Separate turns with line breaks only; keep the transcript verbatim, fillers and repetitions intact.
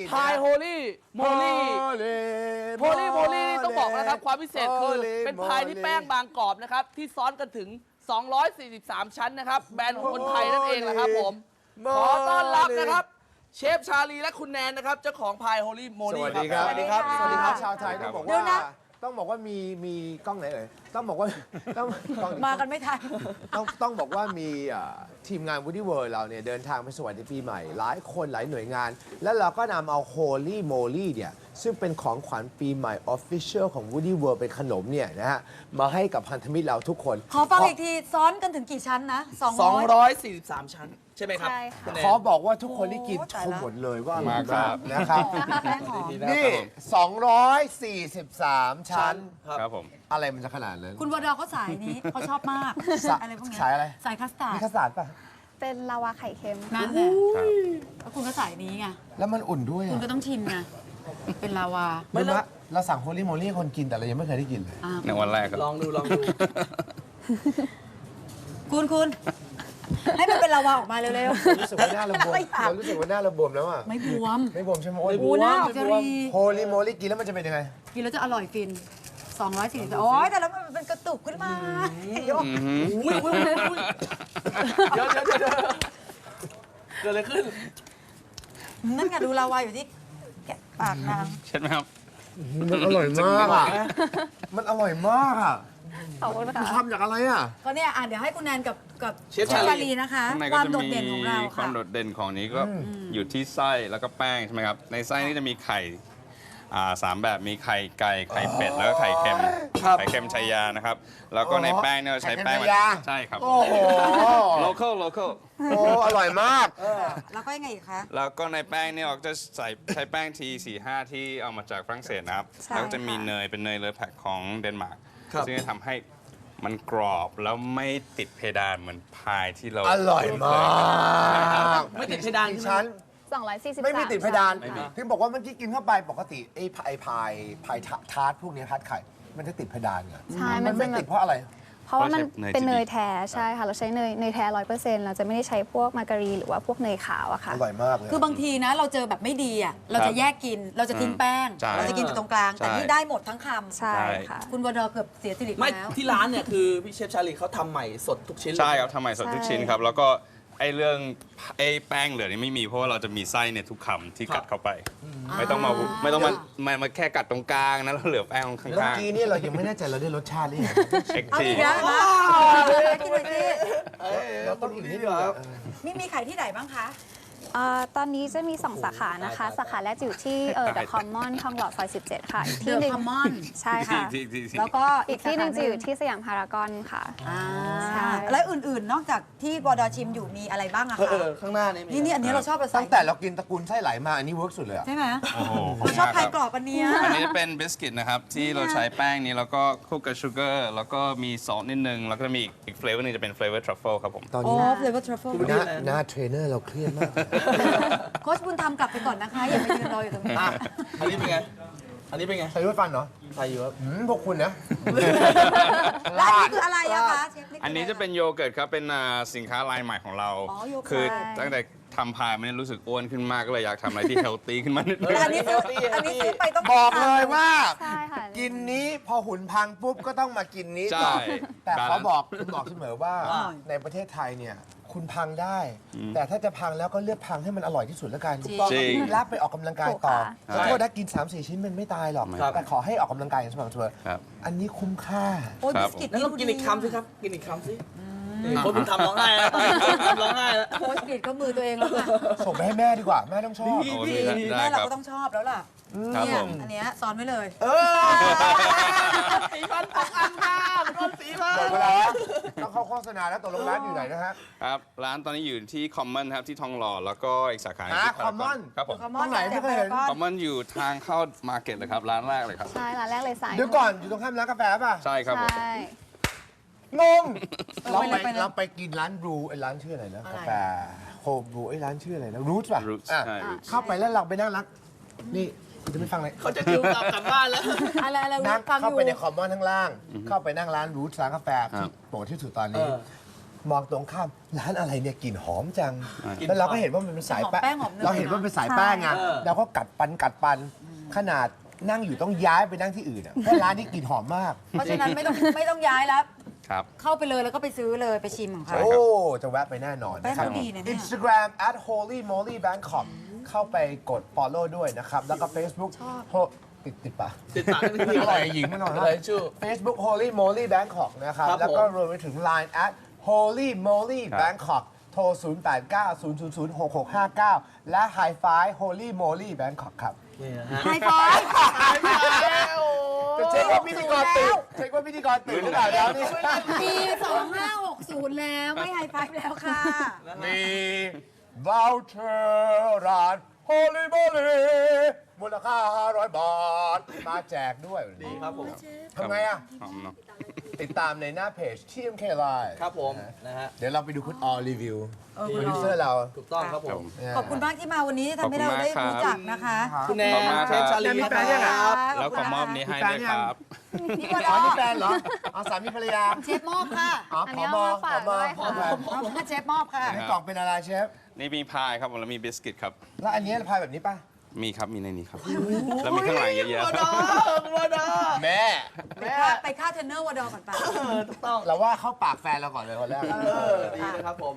พายโฮลี่โมลี่โฮลี่โมลี่ต้องบอกนะครับความพิเศษคือเป็นพายที่แป้งบางกรอบนะครับที่ซ้อนกันถึงสองร้อยสี่สิบสามชั้นนะครับแบรนด์ของคนไทยนั่นเองแหละครับผมขอต้อนรับนะครับเชฟชาลีและคุณแนนนะครับเจ้าของพายโฮลี่โมลี่
สวัสดีครับ
สวัสดีครับสวัสดีครับ
ชาวไทยต้องบอกว่าต้องบอกว่ามีมีกล้องไหนเอ่ยต้องบอกว่าต้อง
มากันไม่ทัน
ต้องต้องบอกว่ามีทีมงาน Woody World เราเนี่ยเดินทางไปสวัสดีปีใหม่หลายคนหลายหน่วยงาน แล้วเราก็นำเอา Holy Moly เนี่ยซึ่งเป็นของขวัญปีใหม่ Official ของ Woody World เป็นขนมเนี่ยนะฮะมาให้กับพันธมิตรเราทุกคน
ขอฟังอีกทีซ้อนกันถึงกี่ชั้นนะสอง
สอง
ร้อย
ร้อยสี่สิบสามชั้นใช่ไหมครับ
ใช่ค่ะ
คุณแนน
ขอบอกว่าทุกคนที่กิน
โอ้
ช
ตาย
ม
ละ
หมดเลยว่าอร่อย
มากครั
มาก
บ
นะครับ
แป้งหอม
นี่ สองร้อยสี่สิบสาม ชั้น
ครับผม
อะไรมันจะขนาดนั้น
คุณวดอเขาสายนี้เขาชอบมาก
สาย
อะไรพวกเนี้ย
สายอะไร
สายคัสตาร์
มี
ด
ข้าวสารป่ะ
เป็นลาวาไข่เค็ม
นั่นแหละ
ครับ
แล้วคุณก็สายนี้ไง
แล้วมันอุ่นด้วย
คุณ
อ่ะ
ก็ต้องชิมไงเป็นลาวา
ไม่รู้ว่าเราสั่งโฮลี่โมลี่คนกินแต่เรายังไม่เคยได้กินเลย
อ่า
ในวันแรกครับ
ลองดูลองดู
คุณคุณให้มันเป็นลาวาออกมาเร็ว
รู้สึกว่าหน้าเราบวม
ไม่อยาก
เรารู้สึกว่าหน้าเราบวมแล้วอ่ะ
ๆไม่บวม
ไม่บวมใช่ไหมโอ้ย
โอ้หน้าออกจะรี
โฮลี่โมลี่กินแล้วมันจะเป็นยังไง
กินแล้วจะอร่อยฟินสองร้อยสี่สิบโอ้ยแต่แล้วมันเป็นกระตุกขึ้นมาเดี๋ยว
อุ้ยอุ้ยอุ้ยอุ้ยเดี๋ยวเดี๋ยวเดี๋ยวเดี๋ยวเกิดอะไรขึ้น
นั่นไงดูลาวาอยู่ที่แกะปากนาง
ใช่ไหมครับ
มันอร่อยมากอ่ะ มันอร่อยมากอ่ะ
ขอบคุณ
มัน
ค่ะ
ทำจากอะไรอ่ะ
ก็เนี่ยอ่ะเดี๋ยวให้คุณแนนกับกับ
เชฟชาลี
ลีนะคะ
ข้างใน
ค
ก็
วาม
จะ
โดด
มี
เด่นของเรา
ควา
ค่ะ
มโดดเด่นของนี้ก็อยู่ที่ไส้แล้วก็แป้งใช่ไหมครับ ในไส้นี่จะมีไข่อ่าสามแบบมีไข่ไก่ไข่เป็ดแล้วก็ไข่เค็ม
ครับ
ไข่เค็มชัยยานะครับ แล้วก็ในแป้งเนี่ยเราใช้แป้ง
ไข่เค็มชัยยา
ใช่ครับ
โอ้โห
local local
โอ้อร่อยมาก
แล้วก็ยังไงอีกคะ
แล้วก็ในแป้งเนี่ยเราจะใส่ใช้แป้งทีสี่ห้าที่เอามาจากฝรั่งเศสนะครับ
ใช่
แล้วก็จะมี
ค่ะ
เนยเป็นเนยเลอแพคของเดนมาร์ก
ครับ
ซึ่งจะทำให้มันกรอบแล้วไม่ติดเพดานเหมือนพายที่เรา
อร่อยมาก
ไม่ติดเพดาน
กี่
ใช่ไหม
ชั้น
สองร้อยสี่สิบ
ไม่มีติดเพดาน
ไม่มี
ที่บอกว่าเมื่อกี้กินเข้าไปปกติไอ้พายพายพายทาร์ตพวกเนี้ยทาร์ตไข่ มันจะติดเพดานไง
ใช่
มั
มัน น
ไม่
จะแบ
ติด
บ
เพราะอะไร
เพราะว่ามัน
เพราะใช้เนย
เป็นเนย
จริง
แท้ใช่ค่ะ เราใช้เนยเนยแท้ร้อยเปอร์เซ็นต์เราจะไม่ได้ใช้พวกมาการีนหรือว่าพวกเนยขาวอะค่ะ
อร่อยมากเลย
คือบางทีนะ เราเจอแบบไม่ดีอ่ะเราจะแยกกินเราจะทิ้งแป้ง
ใช่
เราจะกินอยู่ตรงกลาง แต่
ใช่
นี่ได้หมดทั้งคำ
ใช่ค่ะ
คุณวดอเกือบเสียสิริ
ไม่
แล้ว
ที่ร้านเนี่ยคือพี่เชฟชาลีเขาทำใหม่สดทุกชิ้นเลย
ใช่ครับทำใหม่สดทุกชิ้นครับ แล้วก็ไอ้เรื่องไอ้แป้งเหลือนี่ไม่มีเพราะว่าเราจะมีไส้ในทุกคำที่กัดเข้าไป ไม่ต้องมาไม่ต้องมามามาแค่กัดตรงกลางนะแล้วเหลือแป้งข้าง
เมื่อ
ๆ
กี้เนี่ยเรายังไม่แน่ใจเราได้รสชาติหรือยัง
เช็ค
เอา
ที
อีกแล้วมากินหน่อยสิ
เราต้องอีกนิดเดียวอะ
นี่มีไข่ที่ไหนบ้างคะ
อ่าตอนนี้จะมี สอง สาขานะคะ สาขาแรกจะอยู่ที่เออ The Common ทองหล่อซอยสิบเจ็ดค่ะ อีกที่หนึ่ง
The Common
ใช่ค่ะ
ที่ที่ที่
แล้วก็
อีกที่หนึ่งจะอยู่ที่สยามพารากอนค่ะ
อ่า
ใช่
แล้วอื่นๆ นอกจากที่วดอชิมอยู่มีอะไรบ้างอะ
เออ
คะ
เออข้างหน้านี่มี
นี่นี่อันนี้เราชอบเราใส่
ตั้งแต่เรากินตระกูลไส้ไหลมาอันนี้เวิร์กสุดเลยอะ
ใช่ไหม
โอ้โห
เราชอบไข่กรอบอันเนี้ย
อันนี้เป็นบิสกิตนะครับ ที่เราใช้แป้งนี้แล้วก็คลุกกับชูเกอร์แล้วก็มีซอสนิดนึง แล้วก็มีอีกอีกเฟลเวอร์นึงจะเป็นเฟลเวอร์ทรัฟเฟิลครับผม
ตอน
โอ้
นี้
ฟลเวอร์ทรัฟเฟิล
หน้าหน้าเทรนเนอร์เราเครียดมาก
โค้ชบุญธรรมกลับไปก่อนนะคะ อย่าไปยืนรออยู่ตรงนี้
อ่ะอันนี้เป็นไง อันนี้เป็นไง
ใส่ด้วยฟันเหรอ
ไทยอยู่ครับ
อืมพวกคุณนะ
แล้วอันนี้คืออะไรอะคะเชฟคือ
อันนี้จะเป็นโยเกิร์ตครับ เป็นอ่าสินค้าลายใหม่ของเรา
อ๋อโยเกิร์ต
คือตั้งแต่ทำพายมันรู้สึกอ้วนขึ้นมากก็เลยอยากทำอะไรที่เฮลตี้ขึ้นมานิดนึง
แต่อันนี้ซื้ออันนี้ซื้อไปต้อง
บอกเลยว่า
ใช่ค่ะ
กินนี้พอหุ่นพังปุ๊บก็ต้องมากินนี้ต่อ
ใช่
แต่เขา
balance
บอกคุณบอกเสมอว่า
อ่า
ในประเทศไทยเนี่ยคุณพังได้ แต่ถ้าจะพังแล้วก็เลือกพังให้มันอร่อยที่สุดแล้วกันถูกต้อง
จริง
รับไปออกกำลังกายต่อ
ใช่
ขอโทษนะกิน สามสี่ ชิ้นมันไม่ตายหรอก
ครับ
แต่ขอให้ออกกำลังกายอย่างสม่ำเสมอ
ครับ
อันนี้คุ้มค่า
โอ้ย
ครั
บิ
บ
สกิต
แล้ว
นี่
ต้อง
ดู
กิน
ดี
อีกคำสิครับ กินอีกคำสินี่คนคุณทำร้องไห้แล้วทำร้องไห้แล้ว
โค้ชกิตก็มือตัวเองแล้วค่ะ
ส่งไปให้แม่ดีกว่า แม่ต้องชอบ
ดี
โอ้ดีได้
แม่เรา
ครับ
ก็ต้องชอบแล้วล่ะ
ครับ
เนี่
ผ
ย
ม
อันเนี้ยซ้อนไว้เลย
เออ
สีพันตกอันมาโดนสีพัน
หมดเวลาแล้วต้องเข้าโฆษณาแล้วตกลงร้านอยู่ไหนนะฮะ
ครับร้านตอนนี้อยู่ที่คอมมอนครับที่ทองหล่อแล้วก็อีกสาขาหนึ่ง
อ่า
ที่พาราก
Common
ครับผม
คอมม
ตรงไหนไม่เคยเห็น
คอมมอนอยู่ทางเข้ามาร์เก็ตเลยครับร้านแรกเลยครับ
ใช่ ร้านแรกเลยสาย
เดี๋ยวก่อนอยู่ตรงข้ามร้านกาแฟป่ะ
ใช่ครับผม
ใช่
งง เรา
ไป
ไป
เลยไปเลย
เราไปกินร้านบรูไอ้ร้านชื่ออะไรนะ
อะไร
กาแฟโฮบรูไอ้ร้านชื่ออะไรนะรูทป่ะ
Roots
อ่ะ
ใช่ Roots
เข้าไปแล้วเราไปนั่งรัก นี่คุณจะไม่ฟังเลย
เขาจะดิวกลับกลับบ้านแล้ว
อะไรอะไร
นั่ง
ฟังอ
เข้า
ยู่
ไปในคอมมอนข้างล่าง เข้าไปนั่งร้านรูทร้านกาแฟที่โปรดที่สุดตอน
เอ
นี้
อ
มองตรงข้ามร้านอะไรเนี่ยกลิ่นหอมจัง
กลิ่น
แล้วเราก็
หอม
เห็นว่ามันเป็นสาย
หอมแป้งหอมเนย
เราเห็นว่าเป็นสายแป้งไง
เออ
เราก็กัดปันกัดปันขนาดนั่งอยู่ต้องย้ายไปนั่งที่อื่นอ่ะเพราะร้านนี้กลิ่นหอมมาก
เพราะฉะนั้นไม่ต้องไม่ต้องย้ายแล้ว
ครับ
เข้าไปเลยแล้วก็ไปซื้อเลยไปชิมของเขา
ใช่
โอ้ จะแวะไปแน่นอน
แป้ง
นะครับ
เขาดีนะเนี่ย
Instagram at holy moly bangkok เข้าไปกด follow ด้วยนะครับ แล้วก็ Facebook โฮติดติดปะ
ติดปากนิดนึง
อร่อยหญิงไม่นอน
อะไรชื่อ
Facebook holy moly bangkok นะครับ
ครับ
แล้วก็
ผม
รวมไปถึง Line at holy moly
ครับ
bangkok โทร ศูนย์ แปด เก้า ศูนย์ ศูนย์ ศูนย์ หก หก ห้า เก้า และ High Five holy moly bangkok ครับ
นี่นะฮะ
ไฮไฟว์
จะเช็คว่าพิธีกรตื่นเช็คว่าพิธีกรตื่นหรือเปล่าแล้วนี่
ปีสองห้าหกศูนย์แล้วไม่ไฮไฟว์แล้วค่ะ
มีวอลเชอร์ร้าน Holy Moly มูลค่า ห้าร้อย บาท มาแจกด้วย
ดีครับผม
ทำไงอ่ะ
หอมเนอะ
ติดตามในหน้าเพจ ที เอ็ม เค Live
ครับผมนะฮะ
เดี๋ยวเราไปดูคุณออรีวิว
เออ
โปรดิวเซอร์เรา
ถูกต้องครับผ
ครับ
ม
ผม
ขอบคุณมากที่มาวันนี้ที่ทำให้เราได้รู้จักนะคะ
คุณแน
ขอบคุณ
น
มาก
เช
ครับ
ฟชาลี
มี
ค
แฟนยัง
รั
อ่ะ
บ
แล้วขอมอบนี้ให้ด้วยครับ
พี่ว
อ๋อ
ด
นี่
อ
แฟนเหรออ๋อสามีภรรยา
เชฟมอบค่ะ
อ๋อ
อัน
ผ
นี้
อ
เอามาฝาก
ผอ
ด้วยค่ะ
ผอ
เอาเชฟมอบค่ะ
ในกล่องเป็นอะไรเชฟ
นี่มีพายครับผมแล้วมีบิสกิตครับ
แล้วอันนี้พายแบบนี้ป่ะ
มีครับ มีในนี้ครับ แล้วมีข้างหลังเยอะ
ว
ๆ
อ
ค
ด
รับ
อวอดอ
แม่
ไปค่าไปค่าเทรนเนอร์วดอก่อนไป
เออถูกต้อง
เราว่าเข้าปากแฟนเราก่อนเลยคนแรก
เออดีนะครับผม